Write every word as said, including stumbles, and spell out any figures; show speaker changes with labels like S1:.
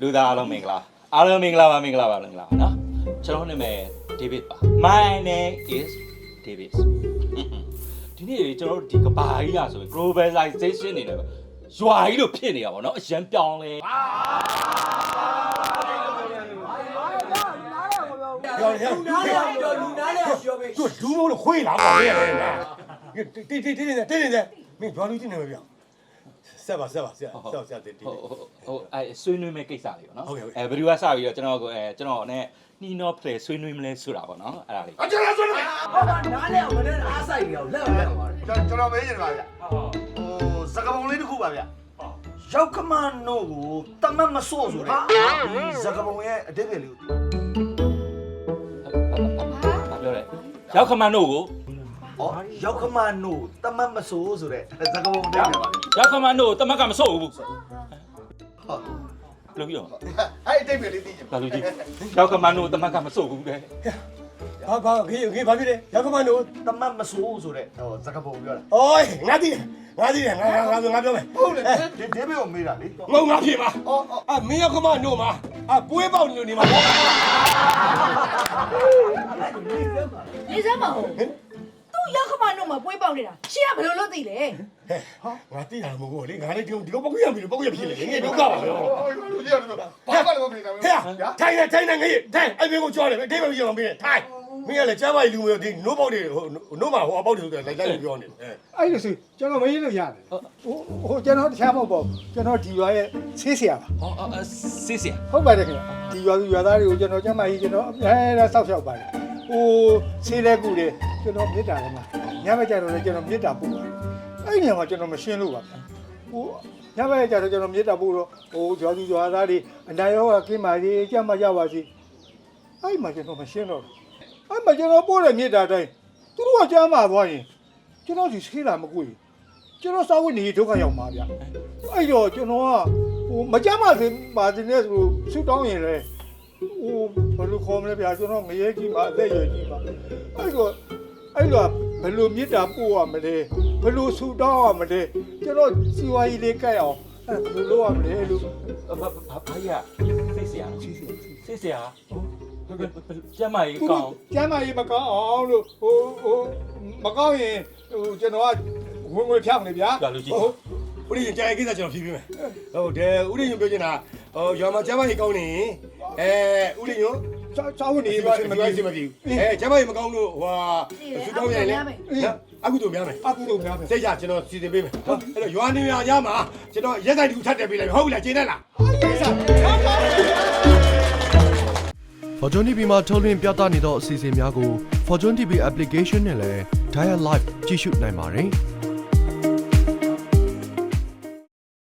S1: လူသားအားလုံးမင်္ဂလာအားလုံးမင်္ဂလာပါမင်္ဂလာပါမင်္ဂလာပါနော်ကျွန်တော်နာမည် David ပါ My name is David ဒီနေ့ကျွန်တော်တို့ဒီကဘာကြီးอ่ะဆိုရင် globalization နေတယ်ရွာကြီးလို့ဖြစ်နေတာပေါ့နော်အရန်ပြောင်းလဲ
S2: 有有有有有哪里学呗？就撸毛了会啦，搞的呀！对对对对对对对，没抓住进来没有？ဆက်ပါဆက်ပါဆက်ဆက်ဆက်တည်တည်
S1: ဟိုဟိုအဲဆွေးနွေးမဲ့ကိစ္စလေးပေါ့နော်
S2: ဟုတ်ကဲ့ဟုတ်ကဲ့
S1: အဲဘယ်သူကစပြီးတော့ကျွန်တော်ကိုအဲကျွန်တော်နဲ့နှီးနောဖလေဆွေးနွေးမလဲဆိုတာပေါ့နော်အဲ့ဒါလေး
S2: အကျလာဆွေးနွေး
S3: ဟောနားလဲအောင်မနဲ့အားဆိုင်နေအောင်လက်အောင်လက်အောင်ပါတယ်
S4: ကျွန်တော်မေးနေပါဗျဟိုစကားပုံလေးတစ်ခုပါဗျရောက်ခမန်နို့ကိုတမတ်မဆို့ဆိုတဲ့ဒီစကားပုံရဲ့အတိတ်ပဲလေးကို
S1: ဘာပြောလဲရောက်ခမန်းတို့ကို
S4: ဩရောက်ခမန်နို့တမတ်မဆို့ဆိုတဲ့စကားပုံအတိတ်ပဲပါဗျ
S1: ရောက်ခမန်းတို့တမက်ကမစိုးဘူး
S4: ဟုတ်
S1: ဘယ်လိုပြော
S4: အဲ့အတိတ်ပဲလေးသိချင်
S1: ဘာလို့ကြည့်ရောက်ခမန်းတို့တမက်ကမစိုးဘူးတဲ့
S2: ဘာဘာခေခေဘာဖြစ်လဲရောက်ခမနို့
S4: တမတ်မဆို့ဆိုတဲ့ဟိုစကားပုံပြောတာ
S2: အိုးငါတည်ငါတည်ငါငါငါငါပြောမယ်
S4: ဟုတ်လေဒီဒီဘေကိုမေးတာလေ
S2: ငုံငါဖြစ်ပါအော်အမင်းရောက်ခမနို့မှာအပွေးပေါက်နေနေမှာ
S5: နေစမ်းမဟုတ်သူ့ရောက်ခမနှုတ်မှာပွေးပေါက်နေတာရှင်းကဘယ်လိုလုပ်သိလဲ
S2: ဟဲ့ငါတည်တာမဟုတ်ဘူးလေငါလည်းဒီဒီကောပုတ်ရပြီပုတ်ရဖြစ်လေငါဒုက္ခပါပဲ
S4: လူကြီးကတော့ဘာမှလည်းမဖြစ်တာ
S2: ဟဲ့ထိုင်နေထိုင်နေငါထိုင်အဲ့မင်းကိုကြောတယ်အတိတ်ပဲပြောင်းပေးတယ်ထိုင်မင်းကလည်းကျမ်းမာလူမျိုးဒီနိုးပေါက်တွေဟိုနိုးမှာဟိုအပေါက်တွေဆိုတယ်လိုက်လိုက်ပြောနေတယ်
S6: အဲ့လိုဆိုကျွန်တော်မရလို့ရတယ်ဟိုဟိုကျွန်တော်တခြားမဟုတ်ပါဘူးကျွန်တော်ဒီရွာရဲ့ဆေးဆရာပါ
S1: ဟောစစ်စစ်
S6: ဟုတ်ပါတယ်ခင်ဗျဒီရွာသူရွာသားတွေကိုကျွန်တော်ကျမ်းမာရေးကျွန်တော်အဲဒါစောက်ရှောက်ပါတယ်ဟိုဆေးလက်ကူတွေကျွန်တော်မြစ်တာလည်းမှာညဘက်ကျတော့လည်းကျွန်တော်မြစ်တာပို့ပါတယ်အဲ့ညမှာကျွန်တော်မရှင်းလို့ပါဗျဟိုညဘက်ကျတော့ကျွန်တော်မြစ်တာပို့တော့ဟိုရွာသူရွာသားတွေအနာရောဂါကင်းပါစေကျမ်းမာကြပါစေအဲ့မှာကျွန်တော်မရှင်းတော့အဲ့မှာကျွန်တော်ပို့တဲ့မြစ်တာတိုင်းသူတို့ကကျမ်းမာသွားရင်ကျွန်တော်ဒီဆေးလာမကွေကျွန်တော်စာဝတ်နေဒုက္ခရောက်မှာဗျအဲ့တော့ကျွန်တော်ကဟိုမကြမ်းပါစေပါစေနဲ့ဆိုဆူတောင်းရင်လေဟိုဘယ်လိုခေါ်မလဲဗျာကျွန်တော်ငရဲကြီးမှာအသက်ရွယ်ကြီးမှာအဲ့တော့အဲ့တော့ဘယ်လိုမြစ်တာပို့ရမလဲဘယ်လိုဆူတောင်းရမလဲကျွန်တော်စီဝါကြီးလေးကြိုက်အောင်အဲ့ဘယ်လိုလုပ်ရမလဲလို့
S1: ဘာဘာဘာရစစ်စစ်ရ
S6: စီစီ
S1: စစ်စစ်ရဟုတ်ကဲ့ကျမကြီးကောင်း
S6: ကျမ်းမာရေးမကောင်းအောင်လို့ဟိုဟိုမကောင်းရင်ဟိုကျွန်တော်ကဝင်ဝင်ဖြောင်းနေဗျာ
S1: ဘာလို့ကြည့်
S2: ဦးရင်းကြာကိစ္စကျွန်တော်ဖြေပေးမယ်ဟုတ်တယ်ဦးရင်းပြောချင်တာဟိုရွာမှာကျမ်းမာရေးကောင်းနေအဲဦးရင်းရော
S6: စာစာဝတ်နေ
S2: ဒီ
S6: ပါ
S2: ပါမပြောစီမပြေဘူးအဲကျမ်းမာရေးမကောင်းလို့ဟိုဆူတောင်းရင်လေအခုတို့များမယ်
S6: အကူတို့များပဲ
S2: စိတ်ကြကျွန်တော်စီစဉ်ပေးမယ်ဟုတ်အဲ့တော့ရွာနေရရမှာကျွန်တော်ရက်ဆိုင်တူထပ်တယ်ပေးလိုက်ဟုတ်ပြီလားကျင်းနေလား
S7: Fortune တီ ဗီ မှာထုတ်လွှင့်ပြသနေသောအစီအစဉ်များကို Fortune တီ ဗီ application နဲ့လည်း Dial Live ကြည့်ရှုနိုင်ပါတယ်။